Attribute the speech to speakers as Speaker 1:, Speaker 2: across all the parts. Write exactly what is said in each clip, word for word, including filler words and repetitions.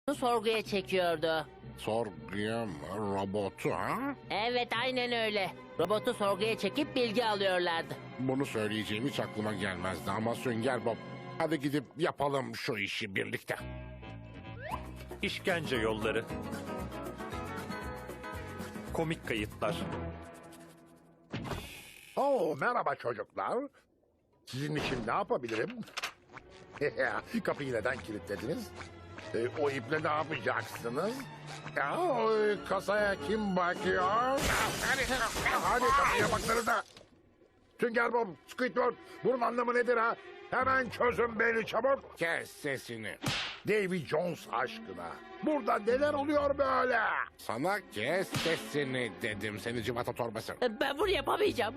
Speaker 1: sorguya çekiyordu.
Speaker 2: Sorguya mı? Robotu ha?
Speaker 1: Evet, aynen öyle. Robotu sorguya çekip bilgi alıyorlardı.
Speaker 2: Bunu söyleyeceğim hiç aklıma gelmezdi ama Sünger Bob. Hadi gidip yapalım şu işi birlikte.
Speaker 3: İşkence yolları. Komik kayıtlar.
Speaker 4: Oo, merhaba çocuklar. Sizin için ne yapabilirim? Kapıyı neden kilitlediniz? E, o iple ne yapacaksınız? Ya, o kasaya kim bakıyor? Hadi, hadi kapıya bakları da. Sünger Bob, Squidward, bunun anlamı nedir ha? Hemen çözün beni çabuk.
Speaker 2: Kes sesini.
Speaker 4: Davy Jones aşkına. Burada neler oluyor böyle?
Speaker 2: Sana kes sesini dedim seni civata torbası.
Speaker 1: Ben bunu yapamayacağım.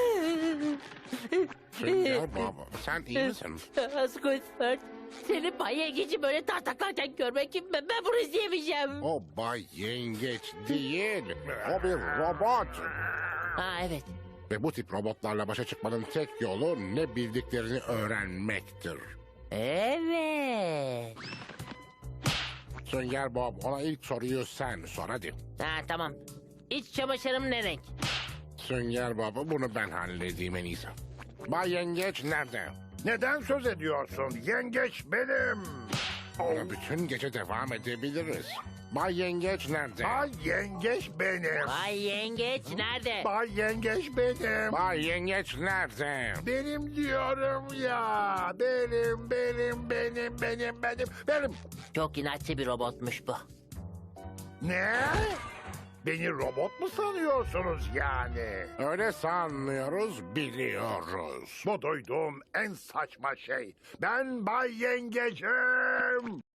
Speaker 2: Sünger Bob sen iyi misin?
Speaker 1: Squidward, seni Bay Yengeç'i böyle tartaklarken görmek, ben, ben bunu izleyemeyeceğim.
Speaker 2: O Bay Yengeç değil. O bir robot.
Speaker 1: Ha, evet.
Speaker 2: Ve bu tip robotlarla başa çıkmanın tek yolu ne bildiklerini öğrenmektir.
Speaker 1: Evet.
Speaker 2: Sünger Bob ona ilk soruyu sen sor hadi.
Speaker 1: Ha, tamam. İç çamaşırım ne renk?
Speaker 2: Sünger Bob bunu ben halledeyim en iyisi. Bay Yengeç nerede?
Speaker 4: Neden söz ediyorsun? Yengeç benim.
Speaker 2: Ona bütün gece devam edebiliriz. Bay Yengeç nerede?
Speaker 4: Bay Yengeç benim.
Speaker 1: Bay Yengeç nerede?
Speaker 4: Bay Yengeç benim.
Speaker 2: Bay Yengeç nerede?
Speaker 4: Benim diyorum ya. Benim, benim, benim, benim, benim, benim.
Speaker 1: Çok inatçı bir robotmuş bu.
Speaker 4: Ne? Beni robot mu sanıyorsunuz yani?
Speaker 2: Öyle sanmıyoruz, biliyoruz.
Speaker 4: Bu duyduğum en saçma şey. Ben Bay Yengecim.